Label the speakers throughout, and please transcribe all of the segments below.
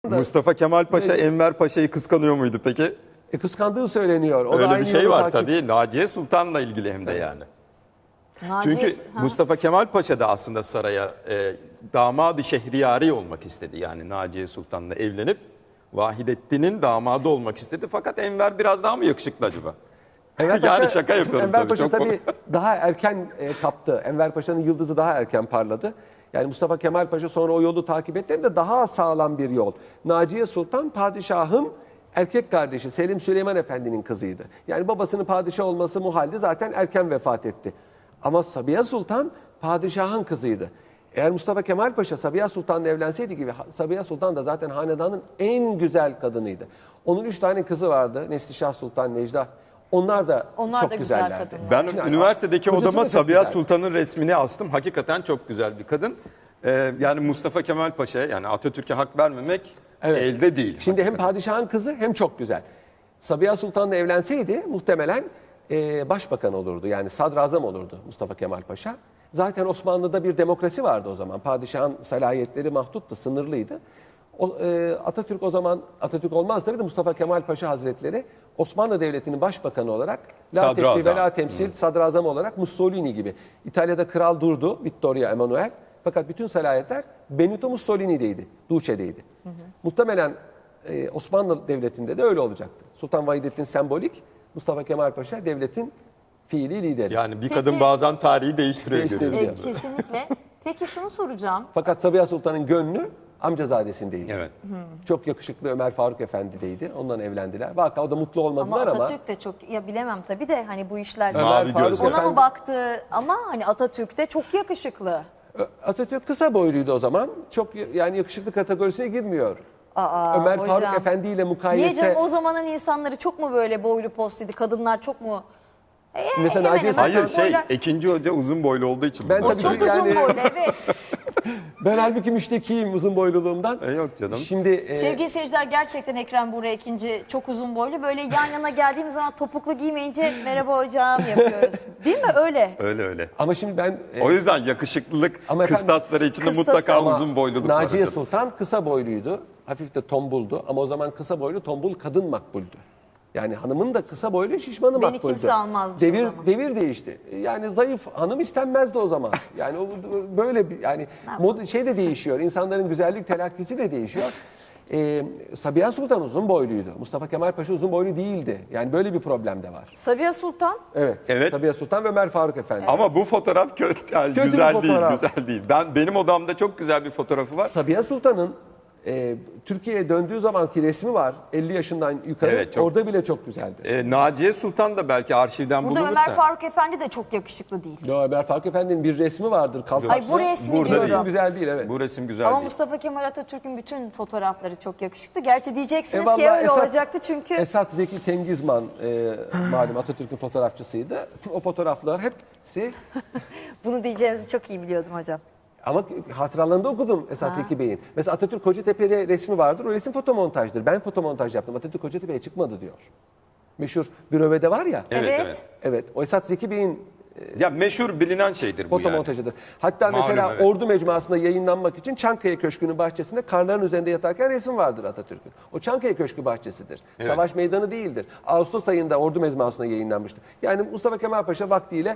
Speaker 1: Mustafa Kemal Paşa Enver Paşa'yı kıskanıyor muydu peki?
Speaker 2: Kıskandığı söyleniyor. O da
Speaker 1: Öyle
Speaker 2: aynı
Speaker 1: bir şey
Speaker 2: yolu
Speaker 1: var
Speaker 2: takip-
Speaker 1: tabii. Naciye Sultan'la ilgili hem de yani.
Speaker 3: Naciye-
Speaker 1: Çünkü
Speaker 3: Ha.
Speaker 1: Mustafa Kemal Paşa da aslında saraya damadı şehriyari olmak istedi. Yani Naciye Sultan'la evlenip Vahidettin'in damadı olmak istedi. Fakat Enver biraz daha mı yakışıklı acaba?
Speaker 2: Enver
Speaker 1: Yani
Speaker 2: Paşa-
Speaker 1: şaka yapıyorum
Speaker 2: Enver
Speaker 1: tabii.
Speaker 2: Paşa
Speaker 1: Çok
Speaker 2: tabii daha erken kaptı. Enver Paşa'nın yıldızı daha erken parladı. Yani Mustafa Kemal Paşa sonra o yolu takip etti. Hem de daha sağlam bir yol. Naciye Sultan padişahın erkek kardeşi Selim Süleyman Efendi'nin kızıydı. Yani babasının padişah olması muhaldi, zaten erken vefat etti. Ama Sabiha Sultan padişahın kızıydı. Eğer Mustafa Kemal Paşa Sabiha Sultan'la evlenseydi gibi, Sabiha Sultan da zaten hanedanın en güzel kadınıydı. Onun 3 tane kızı vardı. Neslişah Sultan, Necla. Onlar da
Speaker 3: Onlar
Speaker 2: çok
Speaker 3: da güzel
Speaker 2: güzellerdi.
Speaker 3: kadınlar.
Speaker 1: Ben
Speaker 2: Yani
Speaker 1: üniversitedeki
Speaker 2: kocası da
Speaker 1: odama
Speaker 2: çok
Speaker 1: Sabiha
Speaker 2: güzel.
Speaker 1: Sultan'ın resmini astım. Hakikaten çok güzel bir kadın. Yani Mustafa Kemal Paşa'ya, yani Atatürk'e hak vermemek
Speaker 2: Evet.
Speaker 1: elde değil.
Speaker 2: Şimdi hem padişahın kızı hem çok güzel. Sabiha Sultan'la evlenseydi muhtemelen başbakan olurdu. Yani sadrazam olurdu Mustafa Kemal Paşa. Zaten Osmanlı'da bir demokrasi vardı o zaman. Padişahın salayetleri mahduttu, sınırlıydı. Atatürk o zaman, Atatürk olmaz tabii de Mustafa Kemal Paşa Hazretleri Osmanlı Devleti'nin başbakanı olarak la
Speaker 1: Sadrazam.
Speaker 2: teşbih ve la temsil, sadrazam olarak Mussolini gibi. İtalya'da kral durdu, Vittorio Emanuele. Fakat bütün salayetler Benito Mussolini'deydi, Duce'deydi. Muhtemelen Osmanlı Devleti'nde de öyle olacaktı. Sultan Vahidettin sembolik, Mustafa Kemal Paşa devletin fiili lideri.
Speaker 1: Yani bir
Speaker 3: Peki-
Speaker 1: kadın bazen tarihi değiştiriyor.
Speaker 2: Değiştiriyor.
Speaker 1: görüyorsunuz.
Speaker 3: Kesinlikle. Peki şunu soracağım.
Speaker 2: Fakat Sabiha Sultan'ın gönlü amcazadesindeydi.
Speaker 1: Evet.
Speaker 2: Çok yakışıklı Ömer Faruk Efendi'deydi. Ondan evlendiler. Vaka o da mutlu
Speaker 3: Ama
Speaker 2: olmadılar ama
Speaker 3: Atatürk de çok, ya bilemem tabii de hani bu işler
Speaker 1: Mavi
Speaker 2: Faruk
Speaker 1: gözlü.
Speaker 3: ona
Speaker 2: Efendi-
Speaker 3: mı baktı ama hani Atatürk de çok yakışıklı.
Speaker 2: Atatürk kısa boyluydu o zaman. Çok yani yakışıklı kategorisine girmiyor.
Speaker 3: Aa,
Speaker 2: Ömer
Speaker 3: hocam.
Speaker 2: Faruk Efendi ile
Speaker 3: Niye
Speaker 2: mukayese.
Speaker 3: canım, o zamanın insanları çok mu böyle boylu postuydu? Kadınlar çok mu?
Speaker 2: Mesela
Speaker 3: hemen
Speaker 2: Naciye
Speaker 3: hemen.
Speaker 1: Hayır
Speaker 3: Boylar-
Speaker 1: ikinci hoca uzun boylu olduğu için.
Speaker 2: Ben
Speaker 1: bunu
Speaker 2: tabii
Speaker 3: Çok
Speaker 2: ki
Speaker 1: söylüyorum.
Speaker 3: uzun
Speaker 2: yani-
Speaker 3: boylu, evet.
Speaker 2: Ben halbuki müştekiyim uzun boyluluğumdan.
Speaker 1: Yok canım.
Speaker 2: Şimdi
Speaker 3: Sevgili seyirciler, gerçekten Ekrem Buğra ikinci çok uzun boylu. Böyle yan yana geldiğimiz zaman topuklu giymeyince merhaba hocam yapıyoruz. Değil mi öyle?
Speaker 1: Öyle öyle.
Speaker 2: ama şimdi ben
Speaker 1: O yüzden yakışıklılık
Speaker 2: Ama efendim,
Speaker 1: kıstasları içinde
Speaker 3: kıstası
Speaker 1: mutlaka
Speaker 2: ama
Speaker 1: uzun boyluluk var.
Speaker 2: Naciye
Speaker 1: hocam.
Speaker 2: Sultan kısa boyluydu. Hafif de tombuldu ama o zaman kısa boylu tombul kadın makbuldü. Yani hanımın da kısa boylu şişmanı
Speaker 3: Beni
Speaker 2: makbuldü.
Speaker 3: kimse almazmış o
Speaker 2: devir,
Speaker 3: zaman.
Speaker 2: devir değişti. Yani zayıf hanım istenmezdi o zaman. Yani böyle bir yani şey de değişiyor. İnsanların güzellik telakkisi de değişiyor. Sabiha Sultan uzun boyluydu. Mustafa Kemal Paşa uzun boylu değildi. Yani böyle bir problem de var.
Speaker 3: Sabiha Sultan
Speaker 2: Evet.
Speaker 1: Evet.
Speaker 2: Sabiha Sultan ve Ömer Faruk Efendi.
Speaker 1: Ama bu fotoğraf kötü, yani
Speaker 2: Kötü bir
Speaker 1: güzel değil,
Speaker 2: fotoğraf.
Speaker 1: güzel değil. Benim odamda çok güzel bir fotoğrafı var.
Speaker 2: Sabiha Sultan'ın Türkiye'ye döndüğü zamanki resmi var. 50 yaşından yukarı.
Speaker 1: Evet, çok-
Speaker 2: Orada bile çok güzeldir.
Speaker 1: Naciye Sultan da belki arşivden
Speaker 3: burada
Speaker 1: bulunursa.
Speaker 3: Ömer Faruk Efendi de çok yakışıklı değil.
Speaker 2: Yo, Ömer Faruk Efendi'nin bir resmi vardır. Kalpaklı.
Speaker 3: Ay, bu resmi
Speaker 1: Burada
Speaker 2: Bu
Speaker 3: diyorum.
Speaker 2: resim güzel değil, evet.
Speaker 1: Bu resim güzel
Speaker 3: Ama
Speaker 1: değil.
Speaker 3: Mustafa Kemal Atatürk'ün bütün fotoğrafları çok yakışıklı. Gerçi diyeceksiniz ki
Speaker 2: Vallahi
Speaker 3: öyle olacaktı çünkü.
Speaker 2: Esat Zeki Tengizman malum Atatürk'ün fotoğrafçısıydı. O fotoğraflar hepsi
Speaker 3: Bunu diyeceğinizi çok iyi biliyordum hocam.
Speaker 2: ama hatıralarında okudum Esat Zeki Bey'in. Mesela Atatürk Kocatepe'de resmi vardır. O resim fotomontajdır. Ben fotomontaj yaptım. Atatürk Kocatepe'ye çıkmadı diyor. Meşhur Büröve'de var ya.
Speaker 1: Evet,
Speaker 3: Evet.
Speaker 1: evet.
Speaker 2: Evet. O Esat Zeki Bey'in
Speaker 1: Ya meşhur bilinen şeydir bu yani.
Speaker 2: fotomontajıdır. Hatta
Speaker 1: Malum,
Speaker 2: mesela
Speaker 1: evet.
Speaker 2: Ordu Mecmuası'nda yayınlanmak için Çankaya Köşkü'nün bahçesinde karların üzerinde yatarken resim vardır Atatürk'ün. O Çankaya Köşkü bahçesidir.
Speaker 1: Evet.
Speaker 2: Savaş meydanı değildir. Ağustos ayında Ordu Mecmuası'nda yayınlanmıştır. Yani Mustafa Kemal Paşa vaktiyle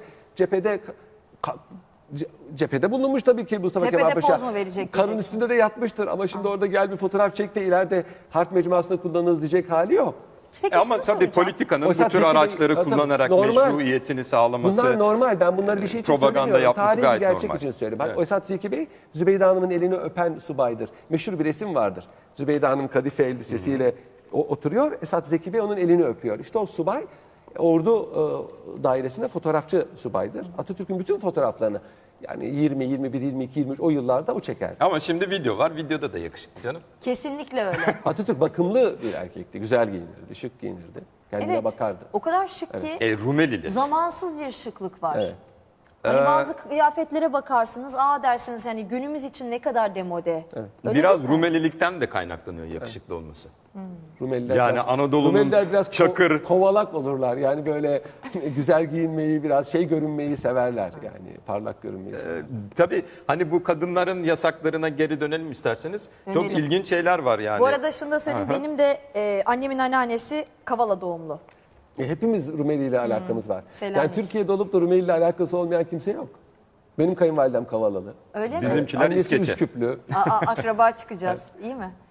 Speaker 2: cephede bulunmuş tabii ki Mustafa
Speaker 3: Cephede
Speaker 2: Kemal Paşa.
Speaker 3: poz mu verecek
Speaker 2: Karın
Speaker 3: diyeceksiniz?
Speaker 2: üstünde de yatmıştır ama şimdi orada gel bir fotoğraf çek de ileride Harp Mecmuası'nda kullanırız diyecek hali yok.
Speaker 3: Peki
Speaker 1: Ama
Speaker 3: şunu
Speaker 1: tabii
Speaker 3: soracağım.
Speaker 1: politikanın bu
Speaker 2: Esat
Speaker 1: tür
Speaker 2: Zeki Bey-
Speaker 1: araçları
Speaker 2: Tabii,
Speaker 1: kullanarak
Speaker 2: normal.
Speaker 1: meşruiyetini sağlaması.
Speaker 2: Bunlar normal. Ben bunları bir şey için
Speaker 1: propaganda
Speaker 2: söylemiyorum.
Speaker 1: yapması
Speaker 2: Tarihi bir
Speaker 1: gayet
Speaker 2: gerçek
Speaker 1: normal.
Speaker 2: için söylüyorum. Bak
Speaker 1: Evet.
Speaker 2: Esat Zeki Bey, Zübeyde Hanım'ın elini öpen subaydır. Meşhur bir resim vardır. Zübeyde Hanım kadife elbisesiyle oturuyor. Esat Zeki Bey onun elini öpüyor. İşte o subay ordu dairesinde fotoğrafçı subaydır. Atatürk'ün bütün fotoğraflarını yani 20, 21, 22, 23 o yıllarda o çeker.
Speaker 1: Ama şimdi video var. Videoda da yakışıklı canım.
Speaker 3: Kesinlikle öyle.
Speaker 2: Atatürk bakımlı bir erkekti. Güzel giyinirdi, şık giyinirdi. Kendine
Speaker 3: Evet.
Speaker 2: bakardı.
Speaker 3: O kadar şık ki
Speaker 1: Rumelili.
Speaker 3: zamansız bir şıklık var.
Speaker 2: Evet.
Speaker 3: Hani bazı kıyafetlere bakarsınız, dersiniz yani günümüz için ne kadar demode. Öyle
Speaker 1: Biraz
Speaker 3: değil mi?
Speaker 1: Rumelilikten de kaynaklanıyor yakışıklı olması.
Speaker 2: Rumeliler
Speaker 1: Yani
Speaker 2: biraz,
Speaker 1: Anadolu'nun
Speaker 2: Rumeliler biraz
Speaker 1: çakır-
Speaker 2: kovalak olurlar. Yani böyle güzel giyinmeyi, biraz görünmeyi severler. Yani parlak görünmeyi severler.
Speaker 1: Tabii hani bu kadınların yasaklarına geri dönelim isterseniz. Çok
Speaker 3: Dönelim.
Speaker 1: ilginç şeyler var yani.
Speaker 3: Bu arada şunu da söyleyeyim, benim de annemin anneannesi Kavala doğumlu.
Speaker 2: Hepimiz Rumeli ile alakamız var.
Speaker 3: Selanik.
Speaker 2: Yani Türkiye'de olup da Rumeli ile alakası olmayan kimse yok. Benim kayınvalidem Kavalalı.
Speaker 3: Öyle mi?
Speaker 1: Bizimkiler
Speaker 2: Annesi
Speaker 1: İskeçe.
Speaker 2: Üsküplü.
Speaker 3: Akraba çıkacağız, iyi mi?